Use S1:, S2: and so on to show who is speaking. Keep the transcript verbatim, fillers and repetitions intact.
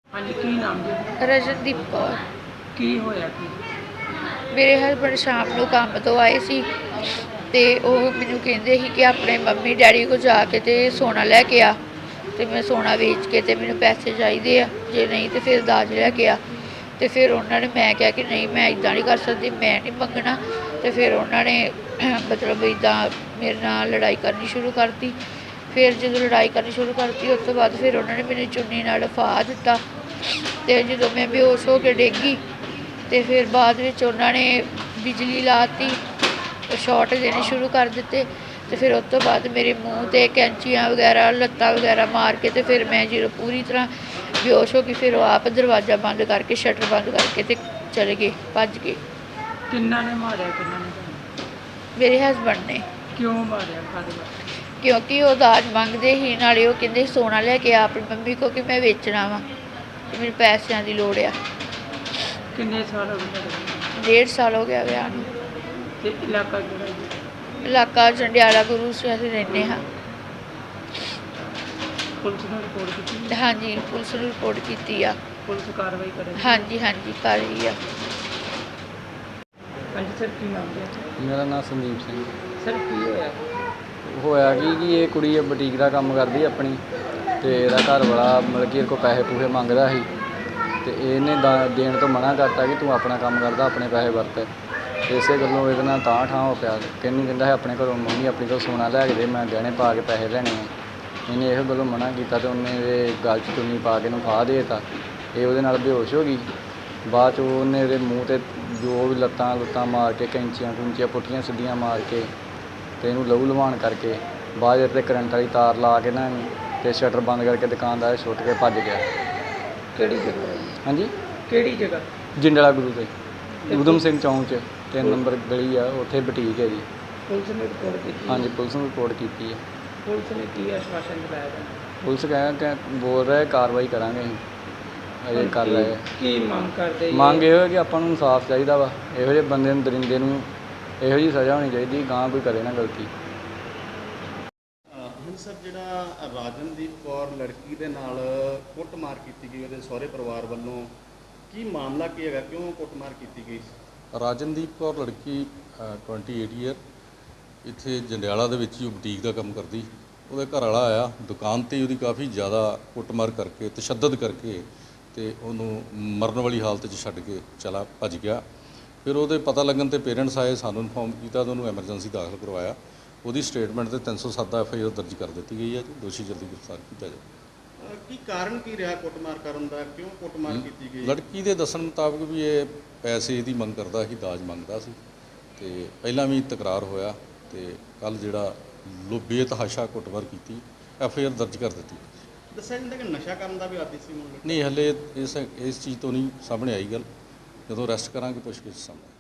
S1: हाँ जी, की नाम जी?
S2: ਰਜਨਦੀਪ ਕੌਰ।
S1: की होया की?
S2: ਮੇਰੇ ਹਸਬੈਂਡ ਸ਼ਾਮ ਨੂੰ ਕੰਮ ਤੋਂ ਆਏ ਸੀ ਤੇ ਉਹ ਮੈਨੂੰ ਕਹਿੰਦੇ ਸੀ ਕਿ ਆਪਣੇ ਮੰਮੀ ਡੈਡੀ ਕੋਲ ਜਾ ਕੇ ਤੇ ਸੋਨਾ ਲੈ ਕੇ ਆ, ਤੇ ਮੈਂ ਸੋਨਾ ਵੇਚ ਕੇ ਤੇ ਮੈਨੂੰ ਪੈਸੇ ਚਾਹੀਦੇ ਆ, ਜੇ ਨਹੀਂ ਤੇ ਫਿਰ ਦਾਜ ਲੈ ਕੇ ਆ। ਤੇ ਫਿਰ ਉਹਨਾਂ ਨੇ ਮੈਂ ਕਿਹਾ ਕਿ ਨਹੀਂ, ਮੈਂ ਇੱਦਾਂ ਨਹੀਂ ਕਰ ਸਕਦੀ, ਮੈਂ ਨਹੀਂ ਮੰਗਣਾ। ਤੇ ਫਿਰ ਉਹਨਾਂ ਨੇ ਮਤਲਬ ਇੱਦਾਂ ਮੇਰੇ ਨਾਲ ਲੜਾਈ ਕਰਨੀ ਸ਼ੁਰੂ ਕਰਤੀ। ਫਿਰ ਜਦੋਂ ਲੜਾਈ ਕਰਨੀ ਸ਼ੁਰੂ ਕਰਤੀ ਉਸ ਤੋਂ ਬਾਅਦ ਫਿਰ ਉਹਨਾਂ ਨੇ ਮੈਨੂੰ ਚੁੰਨੀ ਨਾਲ ਫਾਹ ਦਿੱਤਾ। ਤੇ ਜਦੋਂ ਮੈਂ ਬੇਹੋਸ਼ ਹੋ ਕੇ ਡਿੱਗ ਗਈ ਤੇ ਫਿਰ ਬਾਅਦ ਵਿੱਚ ਉਹਨਾਂ ਨੇ ਬਿਜਲੀ ਲਾਤੀ, ਸ਼ਾਰਟ ਦੇਣੇ ਸ਼ੁਰੂ ਕਰ ਦਿੱਤੇ। ਤੇ ਫਿਰ ਉਸ ਤੋਂ ਬਾਅਦ ਮੇਰੇ ਮੂੰਹ 'ਤੇ ਕੈਂਚੀਆਂ ਵਗੈਰਾ, ਲੱਤਾਂ ਵਗੈਰਾ ਮਾਰ ਕੇ ਤੇ ਫਿਰ ਮੈਂ ਜਦੋਂ ਪੂਰੀ ਤਰ੍ਹਾਂ ਬੇਹੋਸ਼ ਹੋ ਗਈ, ਫਿਰ ਉਹ ਆਪ ਦਰਵਾਜ਼ਾ ਬੰਦ ਕਰਕੇ, ਸ਼ਟਰ ਬੰਦ ਕਰਕੇ ਤੇ ਚਲੇ ਗਏ, ਭੱਜ ਗਏ।
S1: किन्ना ने मारिया, किन्ना ने ਤੁਹਾਨੂੰ?
S2: ਮੇਰੇ ਹਸਬੈਂਡ ਨੇ।
S1: क्यों मारिया, काहदे वास्ते?
S2: ਕਿਉਂਕਿ ਉਹ ਦਾਜ ਮੰਗਦੇ ਸੀ, ਨਾਲੇ ਉਹ ਕਹਿੰਦੇ ਸੋਨਾ ਲੈ ਕੇ ਆ ਆਪਣੀ ਮੰਮੀ ਕੋ ਕਿ ਮੈਂ ਵੇਚਣਾ ਵਾ ਤੇ ਮੈਨੂੰ ਪੈਸਿਆਂ ਦੀ ਲੋੜ ਆ।
S1: किन्ने साल हो गए ਤੁਹਾਡੇ?
S2: ਡੇਢ ਸਾਲ ਹੋ ਗਿਆ ਵਿਆਹ ਨੂੰ।
S1: ਤੇ ਇਲਾਕਾ ਕਿਹੜਾ ਜੀ?
S2: ਇਲਾਕਾ ਜੰਡਿਆਲਾ ਗੁਰੂ ਸੇ ਅਸੀਂ ਰਹਿੰਦੇ ਹਾਂ।
S1: ਪੁਲਿਸ ਨੂੰ ਰਿਪੋਰਟ ਕੀਤੀ?
S2: ਹਾਂਜੀ, ਪੁਲਿਸ ਨੂੰ ਰਿਪੋਰਟ ਕੀਤੀ ਆ।
S1: ਪੁਲਿਸ ਕਾਰਵਾਈ ਕਰੇ?
S2: ਹਾਂਜੀ ਹਾਂਜੀ ਕਰ ਰਹੀ ਆ।
S1: ਹਾਂਜੀ ਸਰ, ਕੀ ਨਾਮ ਜੀ?
S3: ਮੇਰਾ ਨਾਮ ਸੰਦੀਪ ਸਿੰਘ।
S1: ਸਰ ਕੀ ਹੋਇਆ?
S3: ਹੋਇਆ ਕੀ ਕਿ ਇਹ ਕੁੜੀ ਬੁਟੀਕ ਦਾ ਕੰਮ ਕਰਦੀ ਆਪਣੀ, ਤੇ ਇਹਦਾ ਘਰ ਵਾਲਾ ਮਤਲਬ ਕਿ ਇਹਦੇ ਕੋਲ ਪੈਸੇ ਪੂਸੇ ਮੰਗਦਾ ਸੀ, ਤੇ ਇਹਨੇ ਦਾ ਦੇਣ ਤੋਂ ਮਨਾ ਕਰਤਾ ਕਿ ਤੂੰ ਆਪਣਾ ਕੰਮ ਕਰਦਾ, ਆਪਣੇ ਪੈਸੇ ਵਰਤ। ਇਸੇ ਗੱਲੋਂ ਇਹਦੇ ਨਾਲ ਤਾਂ ਠਾਂ ਹੋ ਪਿਆ। ਕਹਿੰਦੀ ਕਹਿੰਦਾ ਹੈ ਆਪਣੇ ਘਰੋਂ ਮੰਮੀ ਆਪਣੀ ਕੋਲ ਸੋਨਾ ਲੈ ਕੇ ਦੇ, ਮੈਂ ਗਹਿਣੇ ਪਾ ਕੇ ਪੈਸੇ ਲੈਣੇ ਆ। ਇਹਨੇ ਇਹੋ ਗੱਲੋਂ ਮਨਾ ਕੀਤਾ ਤੇ ਉਹਨੇ ਇਹਦੇ ਗਲ 'ਚ ਚੁੰਨੀ ਪਾ ਕੇ ਇਹਨੂੰ ਫਾਹ ਦੇ ਦਿੱਤਾ। ਇਹ ਉਹਦੇ ਨਾਲ ਬੇਹੋਸ਼ ਹੋ ਗਈ। ਬਾਅਦ 'ਚ ਉਹਨੇ ਇਹਦੇ ਮੂੰਹ 'ਤੇ ਜੋ ਵੀ ਲੱਤਾਂ ਲੁੱਤਾਂ ਮਾਰ ਕੇ, ਕੈਂਚੀਆਂ ਕੁੰਚੀਆਂ ਪੁੱਠੀਆਂ ਸਿੱਧੀਆਂ ਮਾਰ ਕੇ ਤੇ ਇਹਨੂੰ ਲਹੂ ਲੁਹਾਣ ਕਰਕੇ ਬਾਅਦ 'ਚ ਕਰੰਟ ਵਾਲੀ ਤਾਰ ਲਾ ਕੇ ਨਾ ਇਹਨੂੰ ਤੇ ਸ਼ਟਰ ਬੰਦ ਕਰਕੇ ਦੁਕਾਨਦਾਰ ਛੁੱਟ ਕੇ ਭੱਜ ਗਿਆ।
S1: ਕਿਹੜੀ ਜਗ੍ਹਾ ਹੈ?
S3: ਹਾਂਜੀ,
S1: ਕਿਹੜੀ ਜਗ੍ਹਾ?
S3: ਜਿੰਡਲਾ ਗੁਰੂ ਤੇ ਊਧਮ ਸਿੰਘ ਚੌਂਕ 'ਚ ਤਿੰਨ ਨੰਬਰ ਗਲੀ ਆ, ਉੱਥੇ ਬੁਟੀਕ ਹੈ ਜੀ।
S1: ਪੁਲਿਸ ਨੇ ਰਿਪੋਰਟ ਕੀਤੀ?
S3: ਹਾਂਜੀ, ਪੁਲਿਸ ਨੂੰ ਰਿਪੋਰਟ ਕੀਤੀ ਹੈ।
S1: ਪੁਲਿਸ ਨੇ ਕੀ ਆਸ਼ਵਾਸਨ ਦਿਲਾਇਆ ਤੁਹਾਨੂੰ?
S3: ਪੁਲਿਸ ਕਹਿ ਕਿ ਬੋਲ ਰਿਹਾ ਕਾਰਵਾਈ ਕਰਾਂਗੇ, ਅਸੀਂ ਅਜੇ ਕਰ ਰਹੇ।
S1: ਕੀ ਮੰਗ ਕਰਦੇ ਜੀ?
S3: ਮੰਗ ਇਹੋ ਹੈ ਕਿ ਆਪਾਂ ਨੂੰ ਇਨਸਾਫ ਚਾਹੀਦਾ ਵਾ। ਇਹੋ ਜਿਹੇ ਬੰਦੇ ਨੂੰ, ਦਰਿੰਦੇ ਨੂੰ ਇਹੋ ਜਿਹੀ ਸਜ਼ਾ ਹੋਣੀ ਚਾਹੀਦੀ, ਗਾਂ ਕੋਈ ਕਰੇ ਨਾ ਗਲਤੀ।
S4: ਹੁਣ ਸਰ, ਜਿਹੜਾ ਰਾਜਨਦੀਪ ਕੌਰ ਲੜਕੀ ਦੇ ਨਾਲ ਕੁੱਟਮਾਰ ਕੀਤੀ ਗਈ ਉਹਦੇ ਸਹੁਰੇ ਪਰਿਵਾਰ ਵੱਲੋਂ, ਕੀ ਮਾਮਲਾ ਕੀ ਹੈਗਾ, ਕਿਉਂ ਕੁੱਟਮਾਰ ਕੀਤੀ ਗਈ?
S5: ਰਾਜਨਦੀਪ ਕੌਰ ਲੜਕੀ ਅਠਾਈ ਈਅਰ ਇੱਥੇ ਜੰਡਿਆਲਾ ਦੇ ਵਿੱਚ ਹੀ ਉਹ ਬੁਟੀਕ ਦਾ ਕੰਮ ਕਰਦੀ। ਉਹਦਾ ਘਰ ਵਾਲਾ ਆਇਆ ਦੁਕਾਨ 'ਤੇ, ਉਹਦੀ ਕਾਫੀ ਜ਼ਿਆਦਾ ਕੁੱਟਮਾਰ ਕਰਕੇ, ਤਸ਼ੱਦਦ ਕਰਕੇ ਤੇ ਉਹਨੂੰ ਮਰਨ ਵਾਲੀ ਹਾਲਤ 'ਚ ਛੱਡ ਕੇ ਚਲਾ ਭੱਜ ਗਿਆ। ਫਿਰ ਉਹਦੇ ਪਤਾ ਲੱਗਣ 'ਤੇ ਪੇਰੈਂਟਸ ਆਏ, ਸਾਨੂੰ ਇਨਫੋਰਮ ਕੀਤਾ ਤੇ ਉਹਨੂੰ ਐਮਰਜੈਂਸੀ ਦਾਖਲ ਕਰਵਾਇਆ। ਉਹਦੀ ਸਟੇਟਮੈਂਟ 'ਤੇ ਤਿੰਨ ਸੌ ਸੱਤ ਦਾ ਐਫ ਆਈ ਆਰ ਦਰਜ ਕਰ ਦਿੱਤੀ ਗਈ ਹੈ ਜੀ। ਦੋਸ਼ੀ ਜਲਦੀ ਗ੍ਰਿਫਤਾਰ ਕੀਤਾ ਜਾਵੇ।
S4: ਕੀ ਕਾਰਨ ਕੀ ਰਿਹਾ ਕੁੱਟਮਾਰ ਕਰਨ ਦਾ, ਕਿਉਂ ਕੁੱਟਮਾਰ ਕੀਤੀ ਗਈ?
S5: ਲੜਕੀ ਦੇ ਦੱਸਣ ਮੁਤਾਬਕ ਵੀ ਇਹ ਪੈਸੇ ਦੀ ਮੰਗ ਕਰਦਾ ਸੀ, ਦਾਜ ਮੰਗਦਾ ਸੀ, ਤੇ ਪਹਿਲਾਂ ਵੀ ਤਕਰਾਰ ਹੋਇਆ ਤੇ ਕੱਲ੍ਹ ਜਿਹੜਾ ਲੋ ਬੇਤਹਾਸ਼ਾ ਕੁੱਟਮਾਰ ਕੀਤੀ, ਐਫ ਆਈ ਆਰ ਦਰਜ ਕਰ ਦਿੱਤੀ।
S4: ਦੱਸਿਆ ਜਾਂਦਾ ਕਿ ਨਸ਼ਾ ਕਰਨ ਦਾ ਵੀ ਆਦੀ ਸੀ ਮੁੰਡਾ?
S5: ਨਹੀਂ, ਹਲੇ ਇਸ ਇਸ ਚੀਜ਼ ਤੋਂ ਨਹੀਂ ਸਾਹਮਣੇ ਆਈ ਗੱਲ। ਜਦੋਂ ਅਰੈਸਟ ਕਰਾਂਗੇ ਪੁੱਛਗਿੱਛ ਸਾਹਮਣੇ